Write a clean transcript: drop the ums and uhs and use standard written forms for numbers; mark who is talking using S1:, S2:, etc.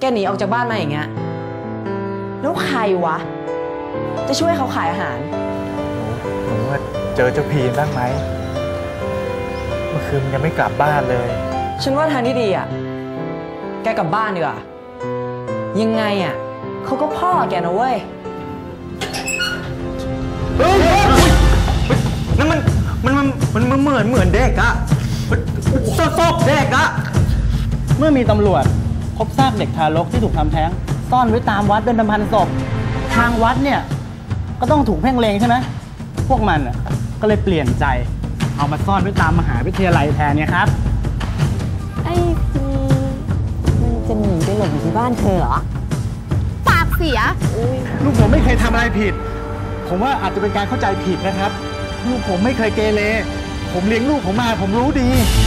S1: หนีออกจากบ้านมาอย่างเงี้ยแล้วใครวะจะช่วยเขาขายอาหาร
S2: หนูว่าเจอเจ้าพีนบ้างไหมเมื่อคืนยังไม่กลับบ้านเลย
S1: ฉันว่าทางที่ดีอ่ะแกกลับบ้านดีกว่ายังไงอ่ะเขาก็พ่อแกนะเว้ย
S3: นั่นมันเหมือนเด็กอะซอกเด็กอะ
S4: เมื่อมีตำรวจพบซากเด็กทารกที่ถูกทำแท้งซ่อนไว้ตามวัดเป็นพันศพทางวัดเนี่ยก็ต้องถูกเพ่งเล็งใช่ไหมพวกมันก็เลยเปลี่ยนใจเอามาซ่อนไว้ตามมหาวิทยาลัยแทนเนี่ยครับ
S5: ไอ้พีมันจะหนีไปหลบอยู่ที่บ้านเธอเหรอปากเสีย
S4: ลูกผมไม่เคยทำอะไรผิดผมว่าอาจจะเป็นการเข้าใจผิดนะครับลูกผมไม่เคยเกเรผมเลี้ยงลูกผมมาผมรู้ดี